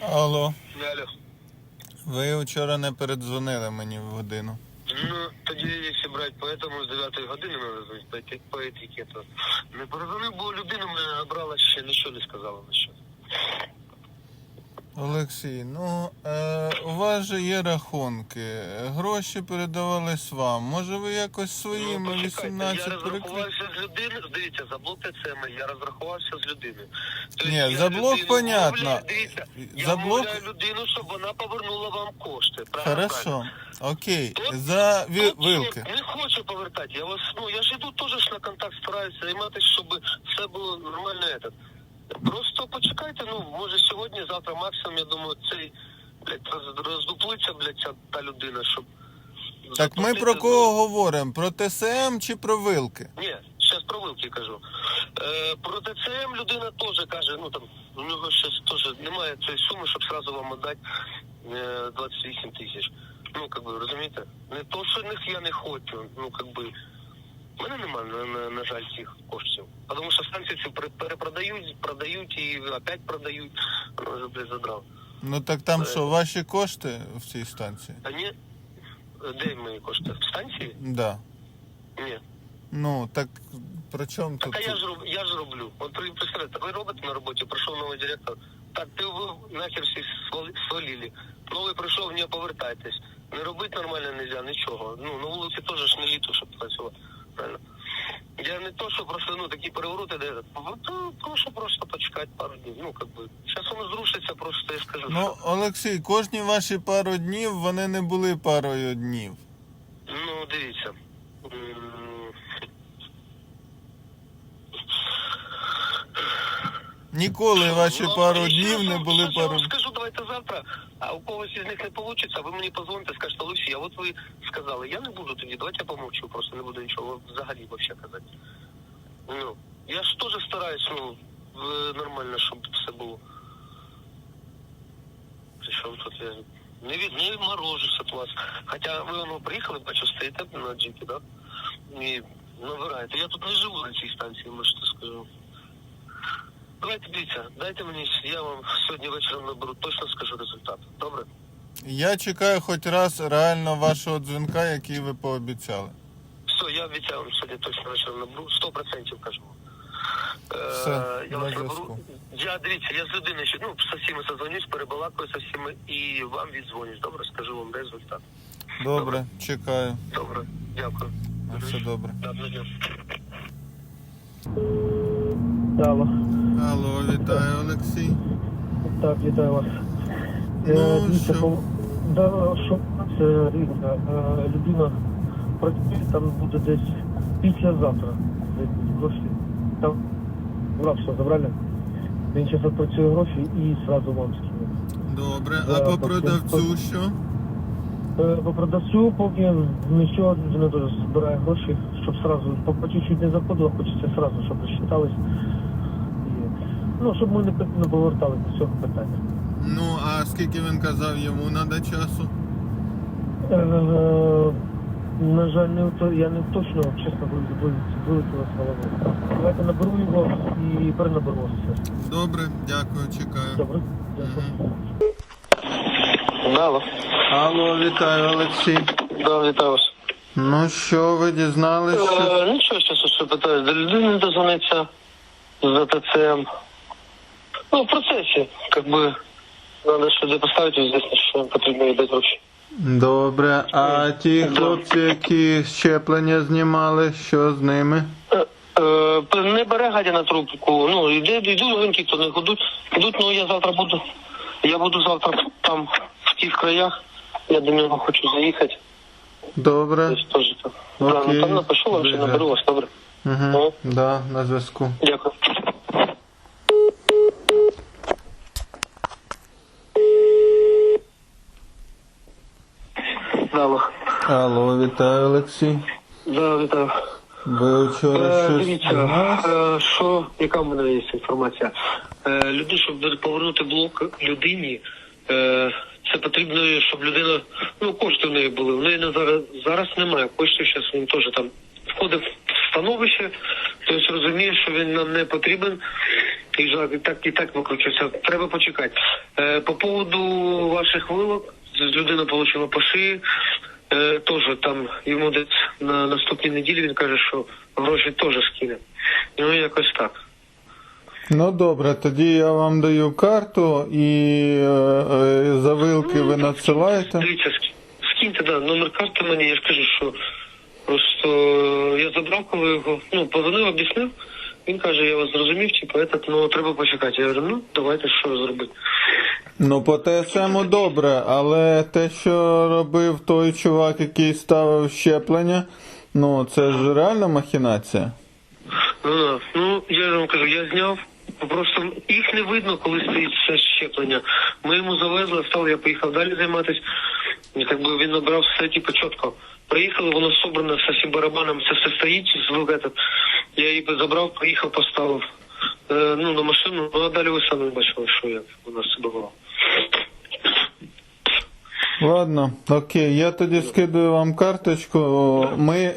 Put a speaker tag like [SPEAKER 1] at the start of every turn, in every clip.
[SPEAKER 1] Алло,
[SPEAKER 2] Алло.
[SPEAKER 1] ви вчора не передзвонили мені в годину.
[SPEAKER 2] Ну, тоді, якщо брати по этому, з 9 години треба по етикету. Не перезвонив, бо людина мене набрала, ще нічого не сказала на що.
[SPEAKER 1] Олексій, у вас же є рахунки, гроші передавались вам. Може ви якось своїми
[SPEAKER 2] почекайте,
[SPEAKER 1] 18
[SPEAKER 2] я
[SPEAKER 1] перекрити?
[SPEAKER 2] розрахувався з людиною, дивіться, за блок ТЦМ я розрахувався з людиною. Тобто
[SPEAKER 1] Ні,
[SPEAKER 2] я
[SPEAKER 1] за блок
[SPEAKER 2] людину
[SPEAKER 1] понятно.
[SPEAKER 2] вмовляю, дивіться,
[SPEAKER 1] За
[SPEAKER 2] я
[SPEAKER 1] блок-
[SPEAKER 2] вмовляю людину, щоб вона повернула вам кошти. Правильно?
[SPEAKER 1] Хорошо, окей.
[SPEAKER 2] Тут-
[SPEAKER 1] За
[SPEAKER 2] Тут
[SPEAKER 1] вилки.
[SPEAKER 2] Не хочу повертати. Я ж іду теж ж на контакт стараюся займатися, щоб все було нормально. Просто почекайте, може сьогодні, завтра максимум, я думаю, цей, роздуплиться, ця та людина, щоб...
[SPEAKER 1] Так ми
[SPEAKER 2] заплатити,
[SPEAKER 1] про кого говоримо? Про ТСМ чи про вилки?
[SPEAKER 2] Ні, зараз про вилки кажу. Про ТЦМ людина теж каже, у нього щось теж немає цієї суми, щоб сразу вам віддати 28 тисяч. Розумієте? Не то, що них я не хочу, в мене немає, на жаль, цих коштів. Тому що станції ці продають і опять продають. Вже, задрав.
[SPEAKER 1] Ну так там що, ваші кошти в цій станції?
[SPEAKER 2] А ні, де мої кошти? В станції?
[SPEAKER 1] Да.
[SPEAKER 2] Ні.
[SPEAKER 1] Ну, так при чому тут?
[SPEAKER 2] Так я ж роблю. От представляєте, ви робите на роботі, прийшов новий директор. Так, ви нахер всі свалили. Новий прийшов, не повертайтесь. Не робити нормально нельзя, нічого. На вулиці теж ж не літо, щоб працювати. Правильно? Я не то, що просто, такі перевороти, де прошу просто почекати пару днів. Зараз воно зрушиться, просто я скажу.
[SPEAKER 1] Ну, Олексій, кожні ваші пару днів, вони не були парою днів.
[SPEAKER 2] Дивіться.
[SPEAKER 1] Ніколи ваші пару днів не були
[SPEAKER 2] Я
[SPEAKER 1] пару...
[SPEAKER 2] вам скажу, давайте завтра, а у когось із них не вийде, ви мені позвоните, скажете, Олексій, а от ви сказали, я не буду тоді, давайте я помовчу, просто не буду нічого взагалі казати. Я ж теж стараюсь, нормально, щоб все було. Причому тут я не відморожусь від вас. Хоча ви приїхали, бачу, стоїте на джипі, да? І набираєте. Я тут не живу на цій станції, може, скажу. Давайте, дивіться, дайте мені, я вам сьогодні вечором наберу, точно скажу результат. Добре?
[SPEAKER 1] Я чекаю хоч раз реально вашого дзвінка, який ви пообіцяли.
[SPEAKER 2] Все, я обіцяю вам сьогодні точно вечором наберу, 100% кажу.
[SPEAKER 1] Все,
[SPEAKER 2] Я
[SPEAKER 1] на
[SPEAKER 2] вас
[SPEAKER 1] зв'язку.
[SPEAKER 2] наберу. Я з людиною ще, со всіми созвонюсь, перебалакаю со всіми і вам віддзвонюсь. Добре, скажу вам результат.
[SPEAKER 1] Добре, чекаю.
[SPEAKER 2] Добре, дякую.
[SPEAKER 1] На все добре.
[SPEAKER 2] Добре, дякую.
[SPEAKER 3] Алло.
[SPEAKER 1] Алло, вітаю, Олексій.
[SPEAKER 3] Так, вітаю вас.
[SPEAKER 1] Що?
[SPEAKER 3] Що це, дивіться, людина працює, там буде десь післязавтра. Гроші. Там рабство забрали. Він зараз відпрацює гроші і одразу вам скине.
[SPEAKER 1] Добре, а по продавцю що?
[SPEAKER 3] По продавцю, поки нічого, людина теж збирає гроші, щоб одразу, по чуть-чуть не заходило, хочеться одразу, щоб розчитались. Щоб ми не повертали до цього питання.
[SPEAKER 1] Ну, а скільки він казав, йому надо часу?
[SPEAKER 3] На жаль, я не точно, чесно, вилетіла з голови. Давайте наберу його і перенаберу вас все.
[SPEAKER 1] Добре, дякую, чекаю.
[SPEAKER 3] Добре? Дякую.
[SPEAKER 2] Алло.
[SPEAKER 1] Алло, вітаю, Олексій.
[SPEAKER 2] Да, вітаю вас.
[SPEAKER 1] Ну що, ви дізналися? Що...
[SPEAKER 2] Нічого, зараз ще питаю. До людини дозвониться за ТЦМ. В процесі, надо сюди поставити, звісно, що потрібно віддати гроші.
[SPEAKER 1] Добре, а ті хлопці, які щеплення знімали, що з ними?
[SPEAKER 2] Не бере гадя на трубку, йдуть гонки, то не йдуть, я буду завтра там, в тих краях, я до нього хочу заїхати.
[SPEAKER 1] Добре.
[SPEAKER 2] Десь теж так.
[SPEAKER 1] Окей.
[SPEAKER 2] Там напишу вам, що наберу вас, добре?
[SPEAKER 1] Угу. Да, на зв'язку.
[SPEAKER 2] Дякую. Алло.
[SPEAKER 1] Алло, вітаю, Олексій.
[SPEAKER 2] Да, вітаю.
[SPEAKER 1] Ви вчора щось
[SPEAKER 2] Дивіться,
[SPEAKER 1] дізналися?
[SPEAKER 2] яка в мене є інформація? Щоб повернути блок людині, це потрібно, щоб людина, кошти в неї були. В неї зараз немає коштів, зараз він теж там входить в становище, тобто розуміє, що він нам не потрібен. І так викручується. Треба почекати. По поводу ваших вилок, людина отримала по шиї. Теж там йому десь на наступній неділі він каже, що гроші теж скине. Ну, якось так.
[SPEAKER 1] Ну добре, тоді я вам даю карту і за вилки ви надсилаєте.
[SPEAKER 2] Дивіться, скиньте, да, номер карти мені, я ж кажу, що просто я забрав, коли його, позвонив, об'яснив. Він каже, я вас зрозумів, треба почекати. Я говорю, давайте, що зробити.
[SPEAKER 1] Ну, по ТСМу добре, але те, що робив той чувак, який ставив щеплення, це ж реальна махінація.
[SPEAKER 2] Я ж вам кажу, я зняв, просто їх не видно, коли стоїть це щеплення. Ми йому завезли, встав, я поїхав далі займатися, і він набрав все, чітко. Приїхали, воно собрано з усім барабаном, це все стоїть, я її забрав, приїхав, поставив на машину, а далі ви самі бачили, що як у нас це було.
[SPEAKER 1] Ладно, окей, я тоді скидаю вам карточку, ми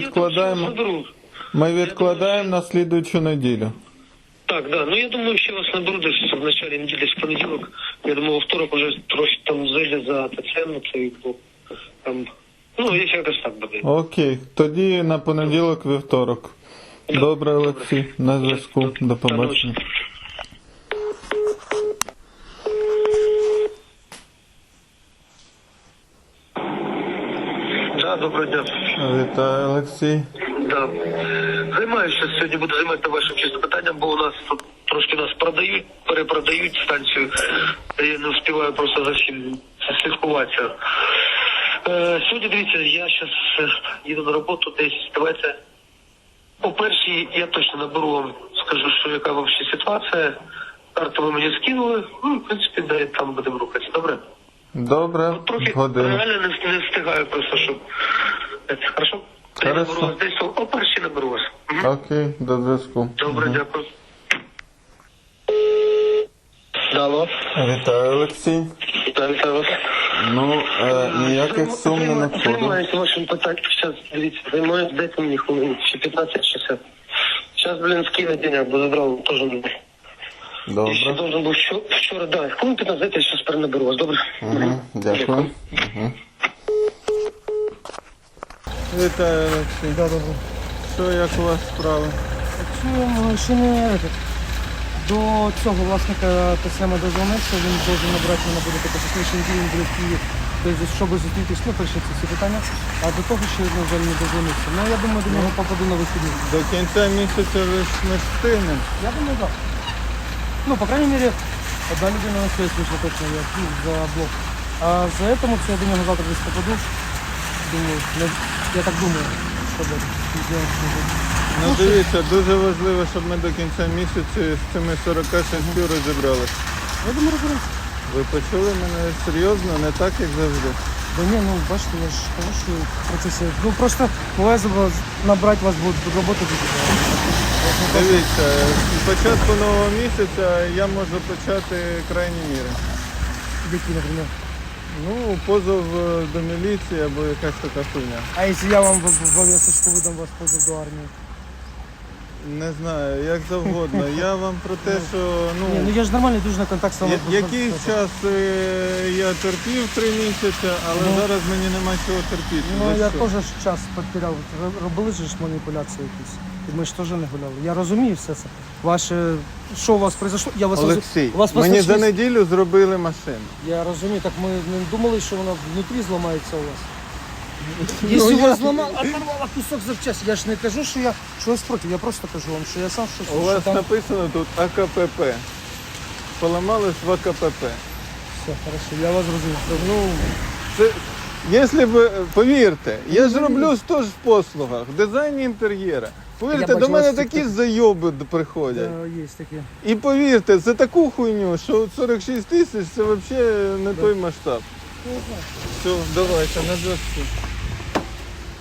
[SPEAKER 1] відкладаємо на слідуючу неділю.
[SPEAKER 2] Так, да. Я думаю, ще вас наберу десь в началі неділі, десь в понеділок. Я думаю, во второк уже трохи там зайде за ТЦМ, якщо якось так буде.
[SPEAKER 1] Окей, тоді на понеділок, вівторок. Добре, Олексій, на зв'язку. До побачення.
[SPEAKER 2] Доброго дня.
[SPEAKER 1] Вітаю, Олексій.
[SPEAKER 2] Да. Займаюся сьогодні, буду займатися вашим чисто питанням, бо у нас тут трошки нас перепродають станцію. Я не встигаю просто за всім слідкуватися. Сьогодні, дивіться, я зараз їду на роботу десь, давайте по першій я точно наберу вам, скажу, що яка взагалі ситуація. Карту ви мені скинули, в принципі, далі там будемо рухатися, добре?
[SPEAKER 1] Добре,
[SPEAKER 2] трохи
[SPEAKER 1] годину.
[SPEAKER 2] реально не встигаю просто, щоб... Хорошо? Я наберу вас десь, о першій наберу вас.
[SPEAKER 1] Окей, до зв'язку.
[SPEAKER 2] Добре, дякую. Алло.
[SPEAKER 1] Вітаю, Олексій.
[SPEAKER 2] Вітаю вас.
[SPEAKER 1] Ніяких сум не надходить.
[SPEAKER 2] Займаюся вашим питанням. Зараз, дивіться, займаюся, дайте мені хвилин, ще 15-60. Зараз, скину денег, бо забрав, теж не був.
[SPEAKER 1] Добре.
[SPEAKER 2] Я ще должен був вчора, да. Хвилин 15, я зараз перенаберу вас, добре?
[SPEAKER 1] Дякую. Вітаю, Олексій.
[SPEAKER 3] Да, добре.
[SPEAKER 1] Що, як у вас справи?
[SPEAKER 3] Ще не до цього власника ТСМ дозвонився, він должен набрати мене буде по технічній дії, він буде в Києві, тобто, щоб зустрітися, вирішити ці питання, а до того ще, на жаль, не дозвонився. Я думаю, до нього попаду на вихідні.
[SPEAKER 1] До кінця місяця ви ж не встигнемо.
[SPEAKER 3] Я думаю, так. По крайней мере, одна людина на связь вийшла точно, я за блок. А за этому я до нього завтра десь попаду. Думаю, я так думаю, що буде.
[SPEAKER 1] Дивіться, дуже важливо, щоб ми до кінця місяця з цими 46 розібралися.
[SPEAKER 3] Я думаю, розберемося.
[SPEAKER 1] Ви почули мене серйозно, не так, як завжди.
[SPEAKER 3] Да ні, бачите, я ж кажу, що в процесі. Просто буває набрати вас буде роботи дуже.
[SPEAKER 1] Дивіться, з початку нового місяця я можу почати крайні міри.
[SPEAKER 3] Які, наприклад?
[SPEAKER 1] Позов до міліції або якась така хуйня.
[SPEAKER 3] А якщо я вам в обов'язку видам вас позов до армії?
[SPEAKER 1] Не знаю, як завгодно. Я вам про те, що
[SPEAKER 3] Я ж нормально дуже на контакт з вами.
[SPEAKER 1] якийсь час я терпів 3 місяці, але зараз мені нема чого терпіти.
[SPEAKER 3] Я теж час потеряв. Робили ж маніпуляції якісь. І ми ж теж не гуляли. Я розумію все це. Що у вас произошло?
[SPEAKER 1] Олексій, мені за неділю зробили машину.
[SPEAKER 3] Я розумію, так ми не думали, що вона внутрі зламається у вас. Якщо у вас оторвала кусок запчасті, я ж не кажу, що я щось проти, я просто кажу вам, що я сам щось...
[SPEAKER 1] У вас написано тут АКПП. Поламалось в АКПП.
[SPEAKER 3] Все, хорошо, я вас розумію.
[SPEAKER 1] Якщо б, повірте, я ж роблю теж в послугах, в дизайні інтер'єра. Повірте, до мене такі зайоби приходять.
[SPEAKER 3] Є такі.
[SPEAKER 1] І повірте, це таку хуйню, що 46 тисяч це взагалі не той масштаб. Все, давайте, на зв'язку.